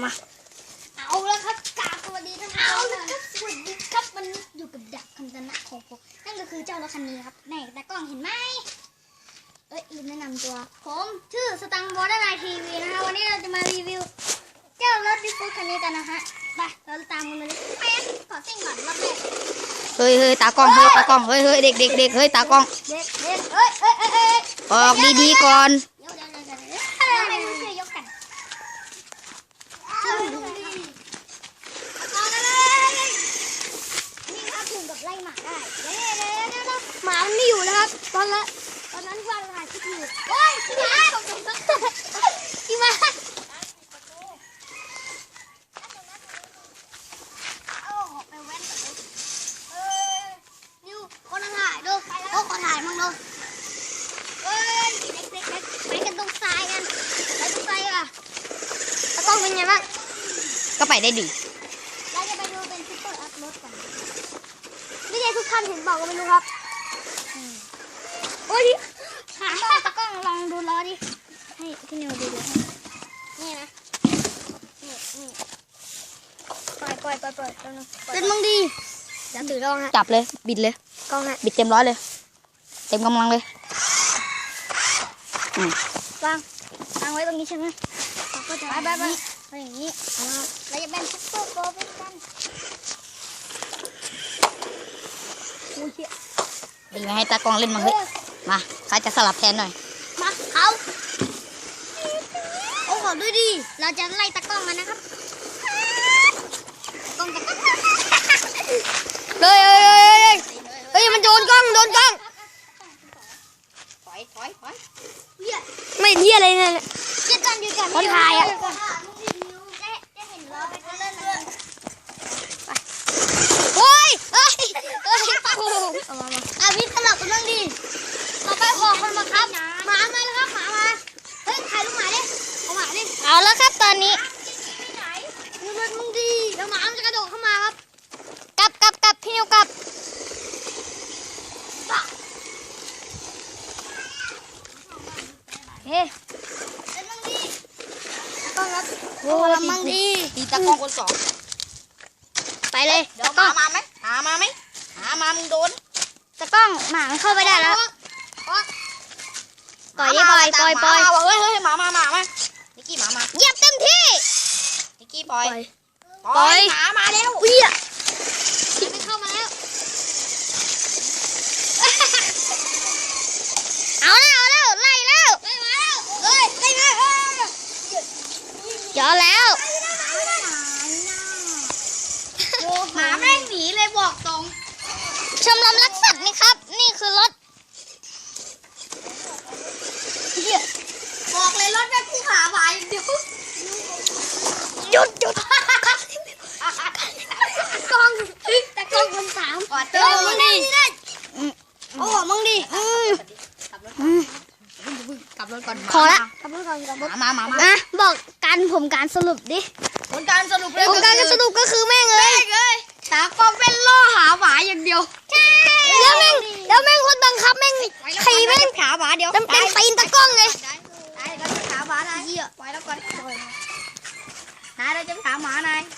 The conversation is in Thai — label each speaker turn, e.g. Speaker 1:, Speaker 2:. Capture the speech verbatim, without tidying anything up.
Speaker 1: มาเอาแล้วครับกราบสวัสดีท่านเอาแล้วครับสวัสดีครับมันอยู่กับดักคำตนะของผมนั่นก็คือเจ้ารถคันนี้ครับแม่ตากล้องเห็นไหมเอ้ยลืมแนะนำตัวผมชื่อสตังค์บอสไลน์ทีวีนะคะวันนี้เราจะมารีวิวเจ้ารถดิฟฟูดคันนี้กันนะฮะไปเราตามกันมาเลยแป๊บขอซิ่งก่อนรอบแรก
Speaker 2: เฮ้ยเฮ้ยตากล้องเฮ้ยตากล้องเฮ้ยเฮ้ยเด็กเด็กเด็กเฮ้ยตากล้อง
Speaker 1: เด็กเด็กเอ้ยเอ้ยเอ้ยเอ้ย
Speaker 2: ออกดีๆก่อน
Speaker 1: เดี๋ยวเดี๋ยวเดี๋ยวเดี๋ยวทำไมไม่ช่วยยกกันเอาเลยนี่ครับถึงกับไล่หมาได้เดี๋ยวเดี๋ยวเดี๋ยวหมามันไม่อยู่นะครับตอนละตอนนั้นว่าถ่ายคลิปอยู่โอ้ยพี่มาพี่มาโอ้ไปแว้นกับเลยเออนิวคนถ่ายดูโอ้คนถ่ายมั่งดูเอ้ยเด็กเด็กเด็กไปกันตรงทรายกันไปตรงทรายอ่ะแล้วต้องเป็นไงบ้าง
Speaker 2: ก็ไปได้ดี
Speaker 1: เราจะไปดูเป็นซุปเปอร์อัพรถกันนี่ไงทุกท่านเห็นบอกก็ไม่รู้ครับโอ้ยขาตะกล้องลองดูล้อดิให้พี่นิวดูดูนี่นะนี่นี่ปล่อยปล่อยปล่อยปล่อยเป็นมึงดีอย่าถือกล้องฮะ
Speaker 2: จับเลยบิดเลย
Speaker 1: กล้องฮะ
Speaker 2: บิดเต็มร้อยเลยเต็มกำลังเลยว
Speaker 1: างวางไว้ตรงนี้ใช่ไหมก็จะไปไปไปไปอย่างนี้เราจะเป็นซุปเปอร์โกลเป็นกันโอ้ย
Speaker 2: ดีไหมให้ตากล้องเล่นมั้งเฮ้ยมาใครจะสลับแทนหน่อย
Speaker 1: มาเอาโอ้ขอด้วยดิเราจะไล่ตากล้องกันนะครับกล้องจะ
Speaker 2: เฮ้ยเฮ้ยเฮ้ยเฮ้ยมันโดนกล้องโดนกล้องถอยถอยถอย
Speaker 1: ไม่เที่ยอะไรเนี่ยเจ็ดกันอยู่กัน
Speaker 2: คนถ่ายอ่ะ
Speaker 1: โอ้ยเอ้ยเอ้ยเอามาอาวิทย์สลับกันบ้างดิต่อไปขอคนมาครับหมามาแล้วครับหมามาเฮ้ยถ่ายลูกหมาดิเอาหมาดิ
Speaker 2: เอาแล้วครับตอนนี้
Speaker 1: ดูมันมึงดีแล้วหมามันจะกระโดดเข้ามาครับ
Speaker 2: กลับกลับกลับพี่นิวกลับ
Speaker 1: เฮ้ยเป็นมึงดีต้องครับโอ้ยมึงดี
Speaker 2: ตีตากล้องคนสอง
Speaker 1: ไปเลย
Speaker 2: เดี๋ยวหามาไหมหามาไหมหามามึงโดน
Speaker 1: ตะกล้องหมามันเข้าไปได้แล้วปล่อยดิปล่อยปล่อยปล่อย
Speaker 2: เฮ้ยเฮ้ยหมามาหมามานิกกี้หมามา
Speaker 1: เหยียบเต็มที่
Speaker 2: นิกกี้ปล่อยปล่อยหมามาแล้ว
Speaker 1: อุ้ยอ่ะมันเข้ามาแล้วเอาแล้วเอาแล้วไล่แล้วไล่มาแล้วเฮ้ยไล่มาเออเจอแล้ว
Speaker 2: หมาแม่งหนีเลยบอกตรง
Speaker 1: ชมรมรักสัตว์นี่ครับนี่คือรถ
Speaker 2: บอกเลยรถแม่กูหาหวายเดียว
Speaker 1: หยุดหยุดกล้องแต่กล้องคนสาม
Speaker 2: เจอมึงดิ
Speaker 1: โอ้มึงดิ
Speaker 2: กลับรถก่อน
Speaker 1: พอละกลับรถก่อนกลับรถ
Speaker 2: มามามา
Speaker 1: อ่ะบอกการผมการสรุปดิ
Speaker 2: ผลการสรุป
Speaker 1: ผลการสรุปก็คือแม่งเลย
Speaker 2: ตากล้องเป็นล่อหาหวายอย่างเดียว
Speaker 1: ใช่แล้วแม่งแล้วแม่งคนบังคับแม่งขี่แม่ง
Speaker 2: ขาหวาเดียว
Speaker 1: เป็นเป็นตีนตะกล้องไง
Speaker 2: ได้เราจะขาหวานายปล่อยแล้วก่อนนายเราจะขาหมานาย